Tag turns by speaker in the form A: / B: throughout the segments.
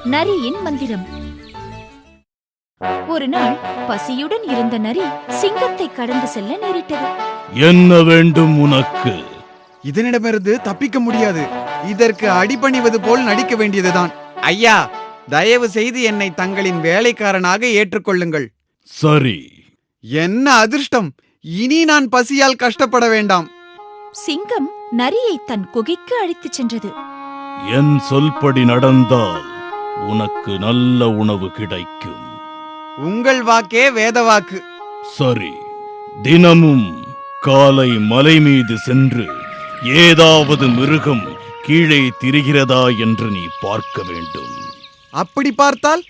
A: நரியின் மந்திரம். ஒரு நாள் பசியுடன் இருந்த நரி சிங்கத்தை கடந்து செல்ல நேரிட்டது.
B: என்ன வேண்டும் உனக்கு?
C: இதனிடமிருந்து தப்பிக்க முடியாது. இதற்கு அடிபணிவது போல் நடிக்க வேண்டியதுதான். ஐயா, தயவு செய்து என்னை தங்களின் வேலைக்காரனாக ஏற்றுக்கொள்ளுங்கள்.
B: சரி.
C: என்ன அதிர்ஷ்டம்! இனி நான் பசியால் கஷ்டப்பட வேண்டாம்.
A: சிங்கம் நரியை தன் குகைக்கு அழைத்துச் சென்றது.
B: என் சொல்படி நடந்தால் உனக்கு நல்ல உணவு கிடைக்கும்.
C: உங்கள் வாக்கே வேதவாக்கு.
B: சரி, தினமும் காலை மலை மீது சென்று ஏதாவது மிருகம் கீழே திரிகிறதா என்று நீ பார்க்க வேண்டும்.
C: அப்படி பார்த்தால்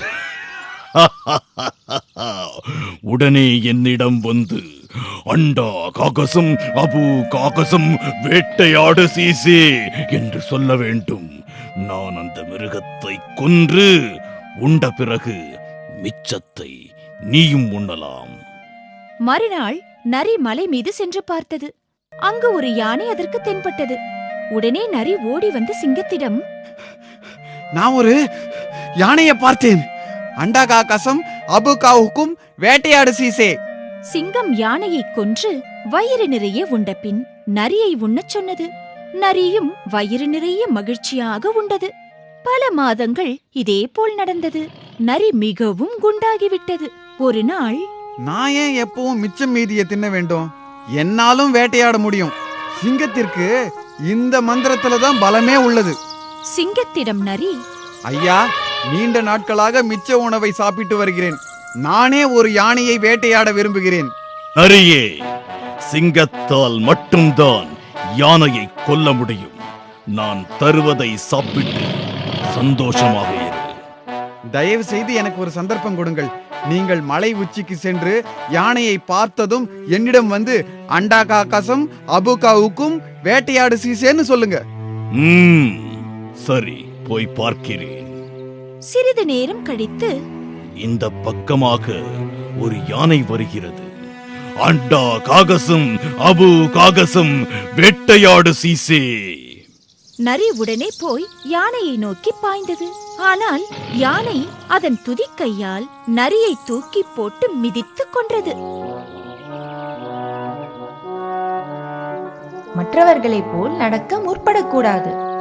B: உடனே என்னிடம் வந்து அண்டா காகசம் அபு காகசம் வேட்டையாடு சீசே என்று சொல்ல வேண்டும். நான் அந்த மிருகத்தை கொன்று உண்ட பிறகு மிச்சத்தை நீயும் உண்ணலாம்.
A: மறுநாள் நரி மலை மீது சென்று பார்த்தது. அங்கு ஒரு யானை அதற்கு தென்பட்டது. உடனே நரி ஓடி வந்து சிங்கத்திடம்,
C: நான் ஒரு யானையை பார்த்தேன். அண்டா காகசம் அபு காவுக்கும் வேட்டையாடு சீசே.
A: சிங்கம் யானையை கொன்று வயிறு நிறைய உண்ட பின் நரியை உண்ணச் சொன்னது. நரியும் வயிறு நிறைய மகிழ்ச்சியாக உண்டது. பல மாதங்கள் இதேபோல் நடந்தது. நரி மிகவும் குண்டாகிவிட்டது. ஒரு நாள்,
C: நான் ஏன் எப்பவும் மிச்சம் மீதியை தின்ன வேண்டும்? என்னாலும் வேட்டையாட முடியும். சிங்கத்திற்கு இந்த மந்திரத்துல தான் பலமே உள்ளது.
A: சிங்கத்திடம் நரி,
C: ஐயா, நீண்ட நாட்களாக மிச்ச உணவை சாப்பிட்டு வருகிறேன். நானே ஒரு யானையை வேட்டையாட விரும்புகிறேன்.
B: நரியே, சிங்கத்தால் மட்டும்தான் யானையை கொல்ல முடியும். நான் தருவதை சாப்பிட்டு சந்தோஷமாக இரு.
C: தயவு செய்து எனக்கு ஒரு சந்தர்ப்பம் கொடுங்கள். நீங்கள் மலை உச்சிக்கு சென்று யானையை பார்த்ததும் என்னிடம் வந்து அண்டா காகசம் அபுகாவுக்கும் வேட்டையாடு சீசேன்னு சொல்லுங்க.
B: சரி, போய் பார்க்கிறேன்.
A: சிறிது நேரம் கழித்து,
B: இந்த பக்கமாக ஒரு யானை வருகிறது. அண்டா காகசம் அபு காகசம் வேட்டையாடு சீசே.
A: நரி உடனே போய் யானையை நோக்கி பாய்ந்தது. ஆனால் யானை அதன் துதிக்கையால் நரியை தூக்கி போட்டு மிதித்துக் கொன்றது.
D: மற்றவர்களைப் போல் நடக்க முற்படக்கூடாது.